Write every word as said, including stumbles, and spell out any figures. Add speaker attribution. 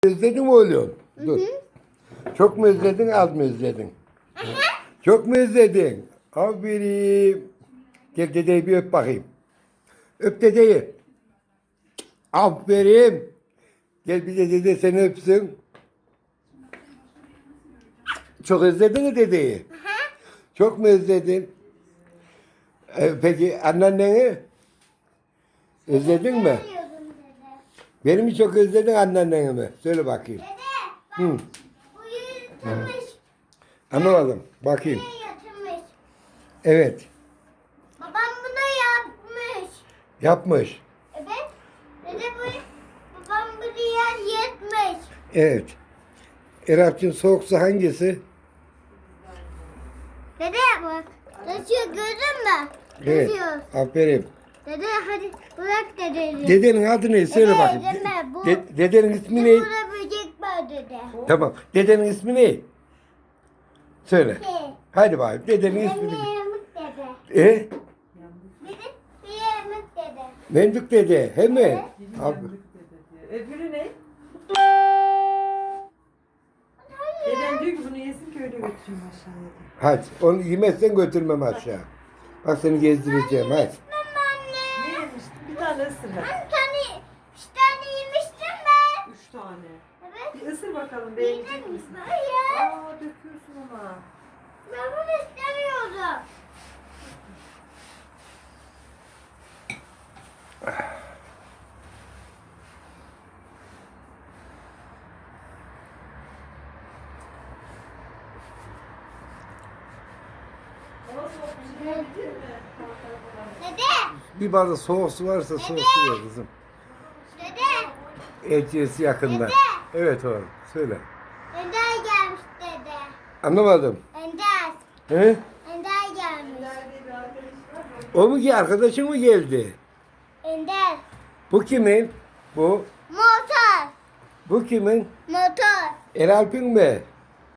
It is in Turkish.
Speaker 1: Özledin mi oğlum? Dur. Çok mu özledin, az mı özledin? Çok mu özledin? Aferin. Gel dedeyi bir öp bakayım. Öp dedeyi. Aferin. Gel bir de dede seni öpsün. Çok özledin mi dedeyi? Çok mu özledin? Ee, peki anneanneni? Özledin mi? Beni mi çok özledin, anneanneni mi? Söyle bakayım.
Speaker 2: Dede bak,
Speaker 1: Hı.
Speaker 2: bu yırtılmış.
Speaker 1: Anlamadım. Bakayım.
Speaker 2: Buraya yatırmış.
Speaker 1: Evet.
Speaker 2: Babam bunu yapmış.
Speaker 1: Yapmış.
Speaker 2: Evet. Dede bu, babam buraya yırtmış.
Speaker 1: Evet. Erap'cığım soğuk su hangisi?
Speaker 2: Dede bak, taşıyor gördün mü?
Speaker 1: Evet.
Speaker 2: Taşıyor.
Speaker 1: Aferin.
Speaker 2: Dede hadi bırak dedeyi.
Speaker 1: Dedenin adı ne? Söyle
Speaker 2: Dede,
Speaker 1: bakayım.
Speaker 2: deme, bu-
Speaker 1: De- dedenin ismi ne?
Speaker 2: Burada böcek var dede.
Speaker 1: Tamam. Dedenin ismi ne? Söyle.
Speaker 2: Şey,
Speaker 1: Hadi bakayım. Dedenin
Speaker 2: benim
Speaker 1: ismini.
Speaker 2: yamuk dede.
Speaker 1: E?
Speaker 2: Bir de bir yamuk dede.
Speaker 1: Mendük dede. He mi? Abi.
Speaker 3: Öbürü ne? Dedem diyor ki bunu yesin ki öyle götüreyim aşağıya.
Speaker 1: Hadi. Onu yemezsen götürmem aşağı. Bak seni gezdireceğim. Hadi.
Speaker 3: Ne yemiştin? Bir tane ısır hadi.
Speaker 2: Bir tane, üç tane yemiştim ben.
Speaker 3: Üç tane.
Speaker 2: Evet.
Speaker 3: Bir ısır bakalım beğenecek misin?
Speaker 2: Hayır.
Speaker 3: Aa döküyorsun ama.
Speaker 2: Ben bunu istemiyorum.
Speaker 3: Hava soğuk bir şey yapabilir mi?
Speaker 2: Dede,
Speaker 1: Bir bardak soğuk su varsa soğuk su ver kızım.
Speaker 2: dede,
Speaker 1: Elçiyesi yakında.
Speaker 2: Dede.
Speaker 1: Evet oğlum. Söyle.
Speaker 2: Ender gelmiş dede.
Speaker 1: Anlamadım.
Speaker 2: Ender,
Speaker 1: He?
Speaker 2: Ender gelmiş.
Speaker 3: Nerede bir arkadaş var?
Speaker 1: O mu ki? Arkadaşın mı geldi?
Speaker 2: Ender,
Speaker 1: Bu kimin? Bu.
Speaker 2: motor,
Speaker 1: Bu kimin?
Speaker 2: motor.
Speaker 1: Eralp'in mi?